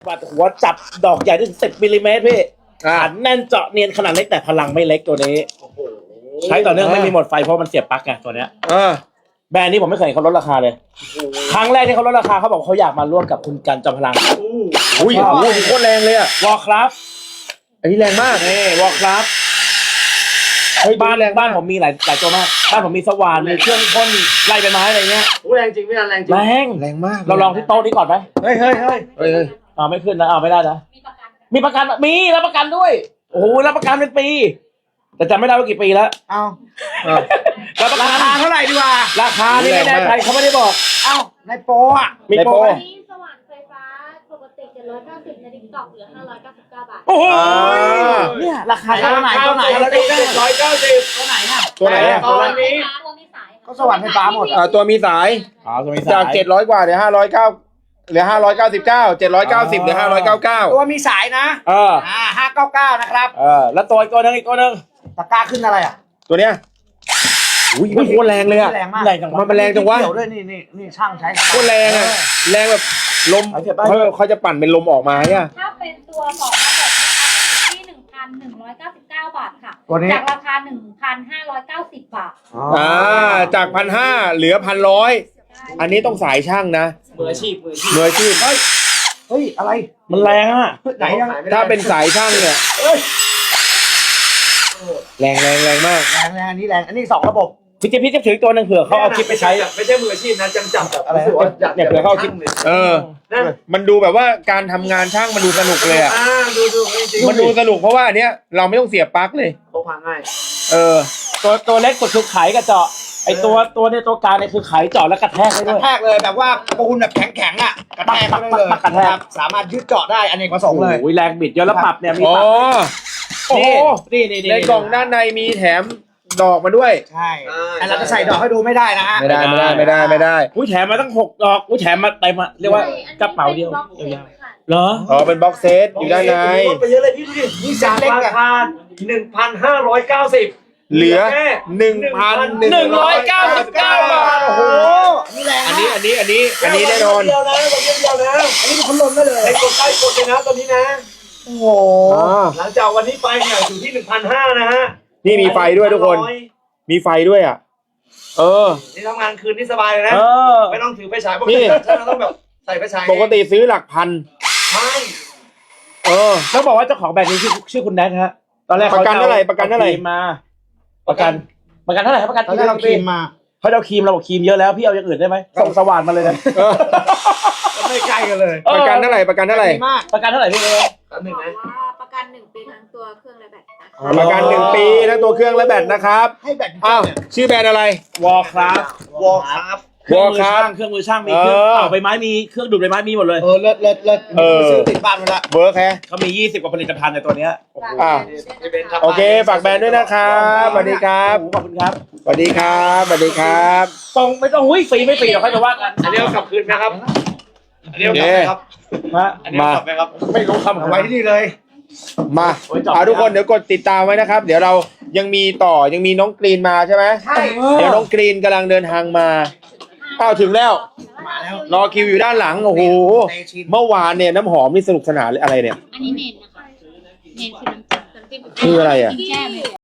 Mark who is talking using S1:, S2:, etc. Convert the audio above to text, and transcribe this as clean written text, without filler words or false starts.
S1: ปัดหัวจับดอกใหญ่ถึง10 มิลลิเมตรพี่อันแน่นเจาะเนียนขนาดเล็กแต่พลังไม่เล็กตัวนี้ใช้ต่อเนื่องไม่มีหมดไฟเพราะมันเสียบปลั๊กไงตัวเนี้ยแบรนด์นี้ผมไม่เคยเห็นเขาลดราคาเลยครั้งแรกที่เขาลดราคาเขาบอกเขาอยากมาร่วมกับคุณกันจอมพลัง
S2: อุ้ยโคตรแรงเลยอะ
S1: วอลครับ
S2: อันนี้แรงมาก
S1: นี่วอลครับบ้านผมมีหลายตัวมากบ้านผมมีสว่านมีเครื่องพ่นไล่ใบไม้อะไรเงี้ย
S3: แรงจริงไม่แรงจริง
S2: แรงมาก
S1: เราลองที่โต๊ะนี้ก่อนไหม
S3: เฮ้ย
S1: ไม่ขึ้นนะไม่ได้นะมีประกันมีรับประกันด้วยโอ้โหรับประกันเป็นปีแต่จำไม่ได้ว่ากี่ปีแล้วรับประกัน
S3: ราคาเท่าไหร่ดีกว่า
S1: ราคานี่ไม่แน่ใจเขาไม่ได้บอก
S3: ในโปรอ่ะ
S1: มีโปร
S4: นี้สว่านไฟฟ้าปกติ790ในดิจิตอลเหลือ599 บาท
S1: โอ้โหเนี่ยราคาตัวไหน
S3: 790ตัวไหนอ่ะ
S2: ตัว
S3: นี้ก็สว่านไฟฟ้าหมด
S2: ตัวมีสายจาก700 กว่าเหลือ509เหลือ599 790เหลือ599
S3: ตัวมีสายนะ599นะครับ
S1: แล้วตัวอีกตัวนึง
S3: ตะกร้าขึ้นอะไรอ่ะ
S2: ตัวเนี้ยอุ้ยโคตรแรงเลยอ่ะ
S3: แรงมาก
S2: มันแรงจังวะ
S3: เกี่ยวด้วยนี่ช่างใช้
S2: โคตรแรงอ่ะแรงแบบลมเขาจะปั่นเป็นลมออกมาเนี่ย
S4: ถ้าเป็นตัว2ระบบนะคะอยู่ที่ 1,199 บาทค่ะจากราคา 1,590 บาท
S2: จาก1,500เหลือ1,100อันนี้ต้องสายช่างนะ
S3: มืออาชีพ
S2: เฮ้ยอะไร
S1: มันแรงอ่ะ
S3: ไหน
S2: ถ้าเป็นสายช่างเนี่ยแรงมาก
S3: อันนี้2ระบบ
S1: พี่จะถือตัวนึงเผื่อเขาเอาคลิปไปใช้
S3: ไม่ใช่มืออาชีพนะจับ
S1: อะไรเนี่ยเผื่อเขาเอาคลิป
S2: มันดูแบบว่าการทำงานช่างมันดูสนุกเลยอ่ะมันดูสนุกเพราะว่าอันเนี้ยเราไม่ต้องเสียบปลั๊กเลย
S3: พกพาง่าย
S1: ตัวเล็กสุดคือไขกับเจาะไอตัวเนี่ยตัวกลางเนี่ยคือไขเจาะแล้วกระแทกได้ด้วย
S3: กระแทกเลยแบบว่าปูนแบบแข็งอ่ะกระแทกได้เลยสามารถยึดเจาะได้อเนกประสงค์เลย
S1: แรงบิดเยอะแล้วปรับเนี่ยมีปรับนี่
S2: ในกล่องด้านในมีแถมดอกมาด้วย
S3: ใช่แต่เราจะใส่ดอกให้ดูไม่ได้นะฮะ
S2: ไม่ได้
S1: แถมมาตั้ง6 ดอกแถมมาเต็มเรียกว่ากระเป๋าเดียวเหรอ
S2: เป็นบ็อกเซตอยู่ด้านใน
S3: ไปเยอะเลยพี่ดูดินี่จากราคา 1,590
S2: เหลือ 1,199 บาท
S3: โอ้โหนี่แรง
S2: อันนี้แน่นอน
S3: เดียวนะอันนี้เป็นพัดลมได้เลยให้กดใกล้กดเลยนะตอนนี้นะโอ้โหหลังจากวันนี้ไปเนี่ยอยู่ที่ 1,500 นะฮะ
S2: นี่มีไฟด้วยทุกคนมีไฟด้วยอ่ะ
S3: นี่ทำงานคืนนี่สบายเลยนะไม่ต้องถือไฟฉายปกติเราต้องแบบใส่ไฟฉาย
S2: ปกติซื้อหลักพัน
S3: ใช่
S1: ต้องบอกว่าเจ้าของแบรนด์นี้ชื่อคุณแนทฮะตอนแรก
S2: ประกันเท่าไหร่
S1: มาประกันเท่าไหร่ครับประกัน
S3: ที่เราครีมมา
S1: เขาเอาครีมเราบอกครีมเยอะแล้วพี่เอาอย่างอื่นได้ไหมส่งสว่านมาเลยนะ
S3: ไม่ใกล้กันเลย
S2: ประกันเท่าไหร่ประกันเท่าไหร่
S1: พี่
S4: ประกัน1 ปีทั้งตัวเครื่องและแบต
S2: ประกัน1 ปีทั้งตัวเครื่องและแบตนะครับ
S3: ให้แบต
S2: ชื่อแบรนด์อะไร
S1: วอลครับเครื่องมือช่างมีเครื่องเป่าใบไม้มีเครื่องดูดใบไม้มีหมดเลย
S3: เลิศซื้อติดบ้านมาละ
S2: เวิร์กแฮะ
S1: เขามี20 กว่าผลิตภัณฑ์ในตัวเนี้ย
S2: โอเคฝากแบรนด์ด้วยนะครับสวัสดีครับ
S1: ขอบคุณครับ
S2: สวัสดีครับ
S1: ตรงไม่ต้องฟรีไม่ฟรีเดี๋ยวค่อยมาว่ากัน
S3: อันนี้เอากลับคืนนะครับอันนี้เอากลับไหมครับไม่รู้คำไว้ที่นี่เลย
S2: มาทุกคนเดี๋ยวกดติดตามไว้นะครับเดี๋ยวเรายังมีน้องกรีนมาใช่ไหม
S3: ใช่
S2: เดี๋ยวน้องกรีนกำลังเดินทางมาถึงแล้วรอคิวอยู่ด้านหลังโอ้โหเมื่อวานเนี่ยน้ำหอมนี่สนุกสนานอะไรเนี่ย
S4: อันนี้เน้นนะคะเน้นคือน้ำจิ้ม
S2: คืออะไรอ่ะ